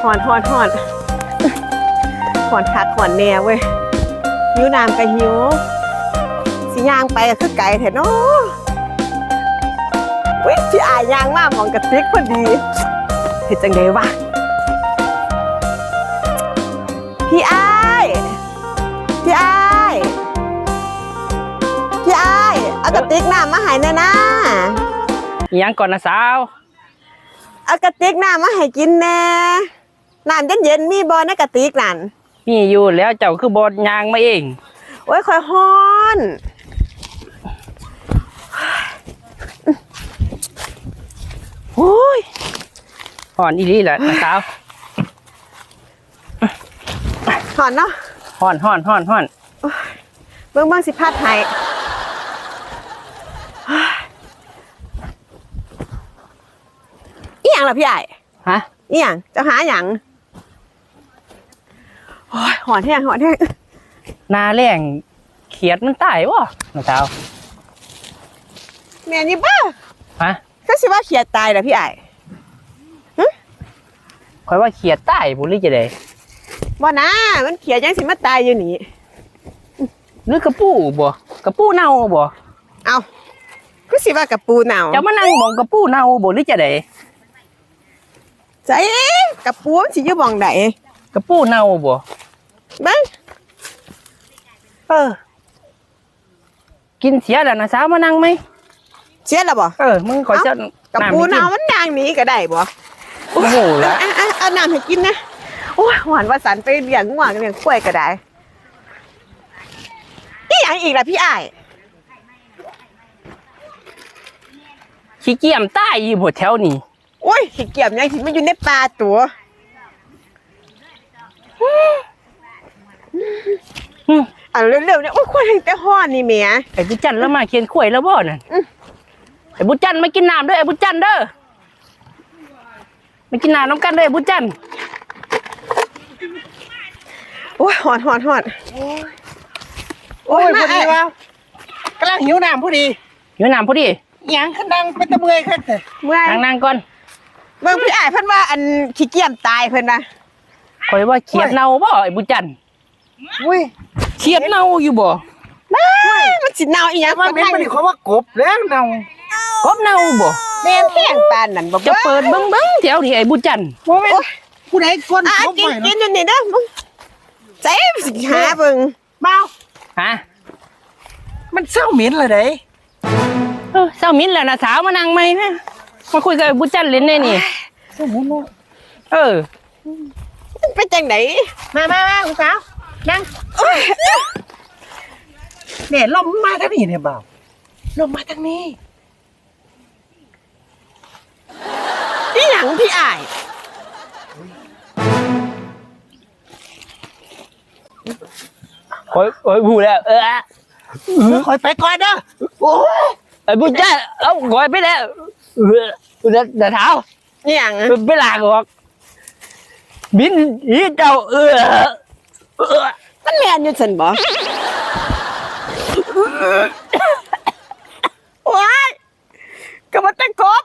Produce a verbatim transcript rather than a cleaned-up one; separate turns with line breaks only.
อนหอนหอนหอนคักหอนแน่เว้ยหิวน้ำกับหิวสิย่างไปก็คือไก่แท้เนาะวิพี่อายย่างมากมองกระติกพอดีเห็นจังไดวะพี่อายพี่อายพี่อายเอากระติกน้ำมาให้แน่นะ
ยังก่อนนะสาว
เอากระติกน้ำมาให้กินแน่น้ำเย็นๆมีบ่ในกระติกนั่น
มีอยู่แล้วเจ้าคือบอดยางมาเอง
โอ้ยคอยฮ้อนโอ้ย
ห่อนอีหลีแหละนะสาว
ฮ้อนเนาะ
ห่อนห่อนห่อนห่อน
เบิ่งเบิ่งสิพัดให้อีหยังล่ะพี่ใหญ่
ฮะ
อีหยังจะหาหยังโอ้ยหอนแห้งหอนแห้ง
นาแรงเขียดมันตายวะนะสาว
แม่นี่บ้า
ฮะ
ก็สิว่าเขียดตายล่ะพี่ใหญ่
คอยว่าเขียดตายบุรีจะได้
บ่นะมันเขียดยังสิมาตายอยู่นี่
หรือกระปูบ่กระปูเน่าบ่
เอาก็สิว่ากระปูเน่า
จะมานั่งมองกระปูเน่าบ่หรือจะได้
ใจกระปูมันสิอยู่บ่องใด
กระปูเน่าบ่
บ้าง
เออกินเสียแล้วนะสาวมานั่งไหม
เสียแล้วบ่
เออมึงขอเจ้าก
ระปูเน่ามันย่างหนีก็ได้บ่
โอ้โหแล้ว
เอาน้ำให้กินนะโอ้ยหวานว่าสันไปเลี้ยงง่วงเลี้ยงกล้วยก็ได้อีหยังอีกล่ะพี่อ้าย
ขี้เกียจใต้อยู่บนแถวนี้
โอ้ยขี้เกียจยังที่มันอยู่ในป่าตัวอ่ะเร็วๆเนี่ยโอ้ยควายแต่ห่อนี่เมีย
ไอ้บุจันแล้วมาเคียนข่วยแล้วบ่นั่นไอ้บุจันมากินน้ำด้วยไอ้บุจันเด้อมากินน้ำน้ำกันด้วยไอ้บุจัน
โอ้ยหอนหอนหอน
โอ้ยพอดีว่ากำลังหิวน้ำพอดี
หิวน้ำพอดี
ยังขึ้นดังเป็นตะเมื่อยขึ้นเลย
เมื่อย
นั่งๆก่อน
เมื่อพี่อ้ายเพิ่นว่าอันขี้เกียจตายเพิ่นนะ
คอยว่าเขียดเน่าบ่ไอ้บุจัน
อุ้ย
เขียดเน่าอยู่บ่
ไม่มันสิเน่าอีหยัง
มันเป็นมันเขาว่ากบแล้วเน่าก
บเน่าบ่
แม่นแห้งปานนั่นบ่
จะเปิดเบิ่งๆแถวที่ไอ้บุจัน
โอ้ยผู้ใดก้น
กบไปกินอยู่นี่เด้อใจสิหาเบิ่ง
เมา
ฮะ
มันเศร้าเหม็นเลยเด้
เออเศร้ามิ้นแล้วนะสาวมานั่งไหมนะมาคุยกับบุจันเล่นได้นี่
เศร้าเหม็นเนาะ
เออ
เป็นจังไหน
มามามาคุณสาวนั่งเนี่ยลมมาทางนี้เนี่ยเบาลมมาทางนี้
อีหยังพี่อ้าย
โอ้ยโอ้ยพูดแล้วเออ
คอยไปก่อนเด้อโอ้
ยไอ้บุจันเอ้าคอยไปแล้วเออเดี๋ยวเท้า
อีหยัง
ไปลากออกบินอีเจ้าเออเออ
มันแม่นอยู่ซั่นบ่โอ้ยก็บ่ตะโก